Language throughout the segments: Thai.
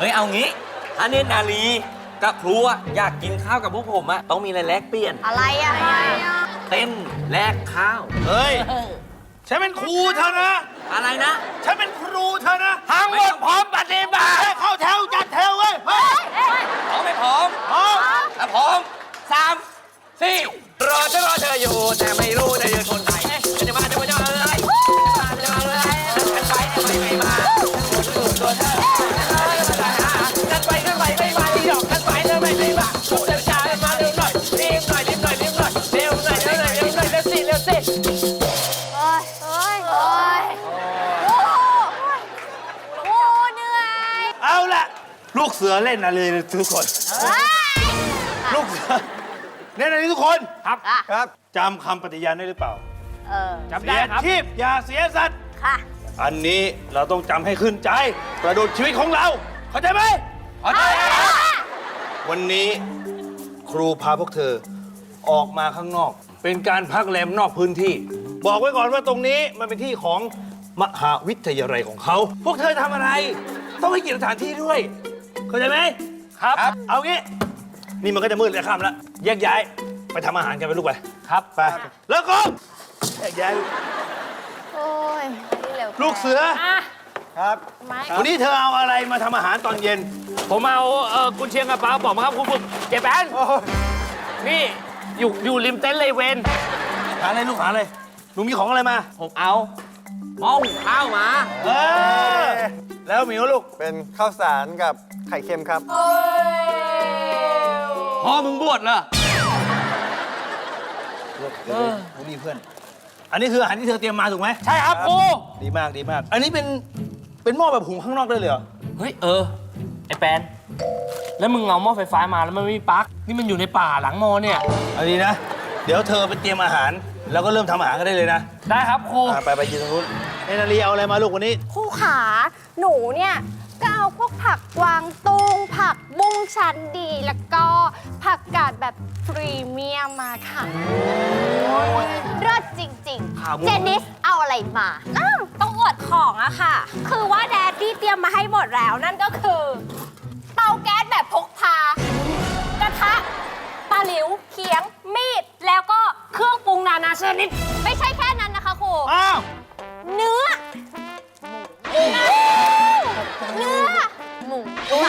เฮ้ยเอางี้ถ้าเนตรนารีกับครูอยากกินข้าวกับพวกผมอะต้องมีอะไรแลกเปลี่ยนอะไรอะเต้นแลกข้าวเฮ้ยฉันเป็นครูเธอนะอะไรนะฉันเป็นครูเธอนะทั้งหมดพร้อมปฏิบัติเข้าแถวจัดแถวเว้ยพร้อมไม่พร้อมถ้าพร้อม3 4รอเธออยู่แต่ไม่รู้จะยืนคนไหนจะมาจะมาอะไรจะมาอะไรกันไปไม่มาตัวเธอกันไปไม่มาที่ดอกกันไปไม่มาชุดช้ามาเร็วหน่อยรีบหน่อยเร็วหน่อยเร็วสิโอ้ยเหนื่อยเอาละลูกเสือเล่นอะไรทุกคนลูกเสือเล่นอะไรทุกคนครับจำคำปฏิญาณได้หรือเปล่าจำได้ครับเสียชีพอย่าเสียสัตว์ค่ะอันนี้เราต้องจำให้ขึ้นใจประดุจชีวิตของเราเข้าใจไหมเข้าใจวันนี้ครูพาพวกเธอออกมาข้างนอกเป็นการพักแรมนอกพื้นที่บอกไว้ก่อนว่าตรงนี้มันเป็นที่ของมหาวิทยาลัยของเขาพวกเธอทำอะไรต้องให้เกียรติสถานที่ด้วยเข้าใจไหมครับเอางี้นี่มันก็จะมืดเลยค่ำแล้วแยกย้ายไปทำอาหารกันไปลูกไปครับไปแล้วก็แยกย้ายโอ้ยลูกเสือครับวันนี้เธอเอาอะไรมาทำอาหารตอนเย็นผมเอากุนเชียงกับปลาบอกมาครับคุณฝึกเจ๊แปนนี่อยู่ริมเต็นท์เลยเวนหาอะไรลูกหาอะไรหนูมีของอะไรมาผมเอาหม้อหุงข้าวมาแล้วหมิวลูกเป็นข้าวสารกับไข่เค็มครับพ่อมึงบวชเหรอผมมีเพื่อนอันนี้คืออาหารที่เธอเตรียมมาถูกไหมใช่ครับครูดีมากดีมากอันนี้เป็นหม้อแบบหุงข้างนอกได้เลยเหรอเฮ้ยไอ้แปนแล้วมึงเอาหม้อไฟฟ้ามาแล้วมันไม่มีปลั๊กนี่มันอยู่ในป่าหลังมอเนี่ยอันนี้นะเดี๋ยวเธอไปเตรียมอาหารแล้วก็เริ่มทำอาหารกันได้เลยนะได้ครับครูไปยืนตรงนู้นเนนารีเอาอะไรมาลูกวันนี้ครูขาหนูเนี่ยก็เอาพวกผักกวางตุ้งผักบุ้งชั้นดีแล้วก็ผักกาดแบบพรีเมียมมาค่ะเลิศจริงๆเจนิสเอาอะไรมาต้องอวดของอะค่ะคือว่าแดดดี้เตรียมมาให้หมดแล้วนั่นก็คือเตาแก๊สแบบพกพากระทะตะหลิวเขียงมีดแล้วก็เครื่องปรุงนานาชนิดไม่ใช่แค่นั้นนะคะครูเนื้อหมู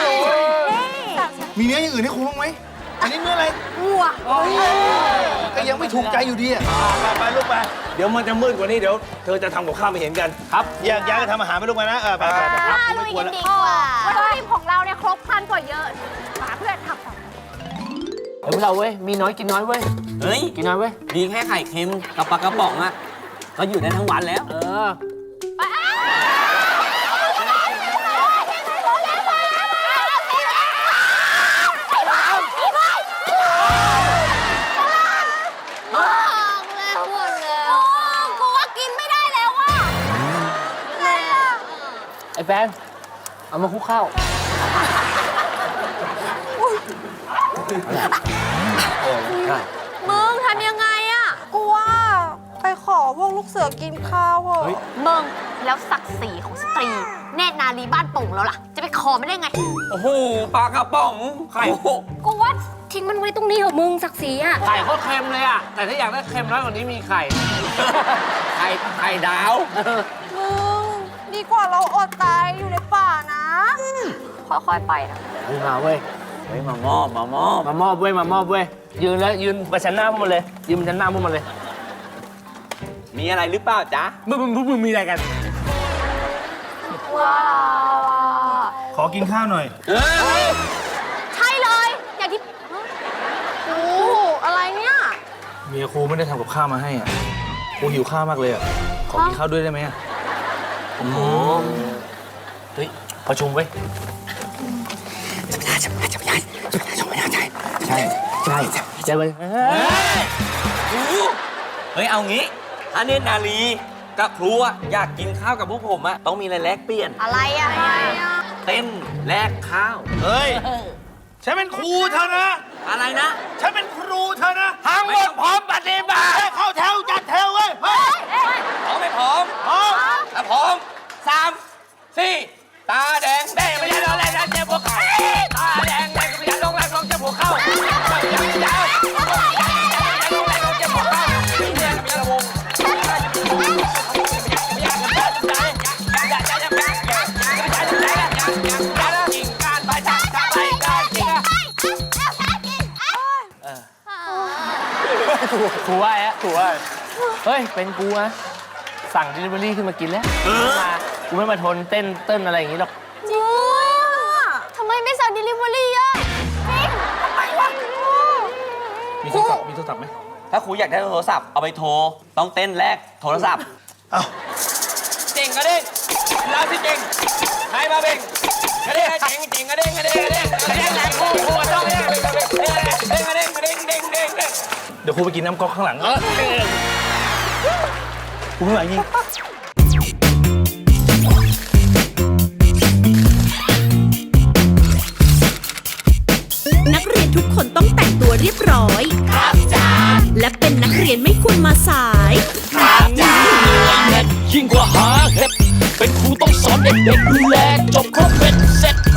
มีเนื้ออย่างอื่นให้ครูบ้างไหมอันนี้เนื้ออะไรวัวก็ยังไม่ถูกใจอยู่ดีไปลูกไปเดี๋ยวมันจะมืดกว่านี้เดี๋ยวเธอจะทำกับข้าวไม่เห็นกันครับแยกย้ายกันทำอาหารไปลูกไปนะไปลุยกันดีกว่าวัตถุดิบของเราเนี่ยครบครันกว่าเยอะหาเพื่อนทำพวกเราเว้ยมีน้อยกินน้อยเว้ยเฮ้ยกินน้อยเว้ยมีแค่ไข่เค็มกับปลากระป๋องอะก็อยู่ได้ทั้งวันแล้วไอ้แฟนเอามาคลุกข้าวมึงทำยังไงอะกูว่าไปขอพวกลูกเสือกินข้าวเหรอมึงแล้วศักดิ์ศรีของสตรีเนตรนารีบ้านโป่งแล้วล่ะจะไปขอไม่ได้ไงโอ้โหปลากระป๋องไข่กูว่าทิ้งมันไว้ตรงนี้เหรอมึงศักดิ์ศรีอะไข่ก็เค็มเลยอะแต่ถ้าอยากได้เค็มน้อยกว่านี้มีไข่ไข่ดาวมึงดีกว่าเราอดตายอยู่ในป่านะค่อยๆไปนะมาเว้ยมามอบเว้ยยืนแล้วยืนประชันหน้าพวกมันเลยยืนประชันหน้าพวกมันเลยมีอะไรหรือเปล่าจ๊ะมึงมีอะไรกันว้าวขอกินข้าวหน่อยใช่เลยอย่างที่โอ้อะไรเนี่ยเมียครูไม่ได้ทำกับข้าวมาให้อ่ะครูหิวข้าวมากเลยอ่ะขอกินข้าวด้วยได้ไหมอ่ะโอ้โหเฮ้ยประชุมเว้ยใช่เว้ยเฮ้ยเอางี้ถ้าเนตรนารีกับครูอยากกินข้าวกับพวกผมอะต้องมีอะไรแลกเปลี่ยนอะไรอะเต้นแลกข้าวเฮ้ยฉันเป็นครูเธอนะอะไรนะฉันเป็นครูเธอนะทั้งหมดพร้อมปฏิบัติเข้าแถวจัดแถวเว้ยพร้อมไม่พร้อมถ้าพร้อม3 4ตาแดงไม่ใช่เราแรกนะเจ็บพวกครูว่าแอะถูกว่าเฮ้ย เป็นกูนะสั่ง delivery ขึ้นมากินแล้วกูไม่มาทนเต้นอะไรอย่างนี้หรอกจริงด้วยอ่ะทำไมไม่สั่ง delivery อ่ะจริงทำไมวะมีโทรศัพท์มีโทรศัพท์ไหมถ้าครูอยากได้โทรศัพท์เอาไปโทร ต้องเต้นแรกโทรศัพท์เอ้าเจ๋งกระเด้งเราที่เจ๋งใครมาเบ่งกระเด้งเจ๋งเจ๋งกระเด้งกระเด้งกระเด้งกระเด้งแรงครูต้องเนี่ยเด้งกระเด้งกระเด้งเด้งเด้งเด้งเดี๋ยวครูไปกินน้ำก๊อกข้างหลังครูข้างหลังยิงนักเรียนทุกคนต้องแต่งตัวเรียบร้อย ครับจ้าและเป็นนักเรียนไม่ควรมาสายยิ่งกว่าหาเห็ดเป็นครูต้องสอนเด็กๆดูแลจบครบเป็นเสร็จ